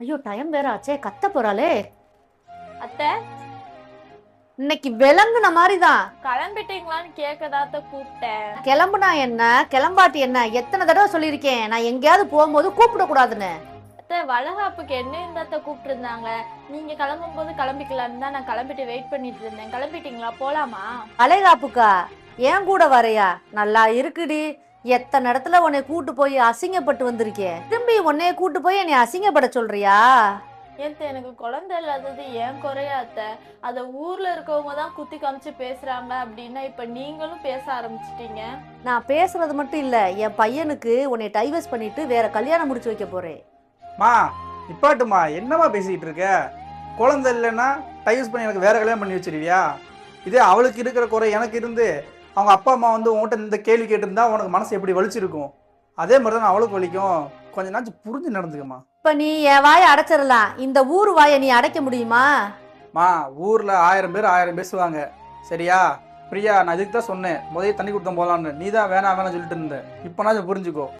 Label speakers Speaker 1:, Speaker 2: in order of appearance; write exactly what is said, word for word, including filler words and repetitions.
Speaker 1: ஐயோ டைம் வேற ஆச்சே, கத்த போறாளே.
Speaker 2: அத்தை
Speaker 1: இன்னைக்கு விளங்குன மாதிரிதான்.
Speaker 2: கிளம்பிட்டீங்களான்னு கேட்கதாத்த கூப்பிட்டேன்.
Speaker 1: கிளம்புனா என்ன கிளம்பாட்டி என்ன, எத்தனை தடவை சொல்லியிருக்கேன் நான் எங்கேயாவது போகும்போது கூப்பிட கூடாதுன்னு.
Speaker 2: அத்தை வளகாப்புக்கு என்ன இந்த அத்தை கூப்பிட்டு இருந்தாங்க. நீங்க கிளம்பும் போது கிளம்பிக்கலான்னு தான் நான் கிளம்பிட்டு வெயிட் பண்ணிட்டு இருந்தேன். கிளம்பிட்டீங்களா? போலாமா?
Speaker 1: அலைகாப்புக்கா? ஏன் கூட வரையா? நல்லா இருக்குடி. எத்தனை இடத்துல உன்னை கூட்டு போய் அசிங்கப்பட்டு வந்திருக்கேன், திரும்பி உன்னைய கூட்டு போய் என்னை அசிங்கப்பட சொல்றியா?
Speaker 2: ஏத்த எனக்கு குழந்தை இல்லாதது ஏன் குறையா அத்தை? அதை ஊர்ல இருக்கவங்க தான் குத்தி காமிச்சு பேசுறாங்க அப்படின்னா இப்ப நீங்களும் பேச ஆரம்பிச்சிட்டீங்க.
Speaker 1: நான் பேசுறது மட்டும் இல்ல, என் பையனுக்கு உன்னை டைவர்ஸ் பண்ணிட்டு வேற கல்யாணம் முடிச்சு வைக்க போறேன்.
Speaker 3: மா நிப்பாட்டுமா, என்னம்மா பேசிக்கிட்டு இருக்க? குழந்தை இல்லைன்னா டைவர்ஸ் பண்ணி எனக்கு வேற கல்யாணம் பண்ணி வச்சிருவியா? இதே அவளுக்கு இருக்கிற குறை எனக்கு இருந்து அவங்க அப்பா அம்மா வந்து உன்கிட்ட இந்த கேள்வி கேட்டிருந்தா உனக்கு மனசு எப்படி வலிச்சிருக்கும்? அதே மாதிரி தான் அவளுக்கு வலிக்கும். கொஞ்ச நாச்சும் புரிஞ்சு நடந்துக்கம்மா.
Speaker 1: இப்ப நீ என் வாயை அடைச்சிடலாம், இந்த ஊர் வாயை நீ அடைக்க முடியுமா?
Speaker 3: மா ஊரில் ஆயிரம் பேர் ஆயிரம் பேசுவாங்க, சரியா? பிரியா, நான் இதுக்கு தான் சொன்னேன் முதல்ல தண்ணி கொடுத்தோம் போகலான்னு. நீ தான் வேணாம் வேணாம் சொல்லிட்டு இருந்த. இப்போனாச்சும் புரிஞ்சுக்கோ.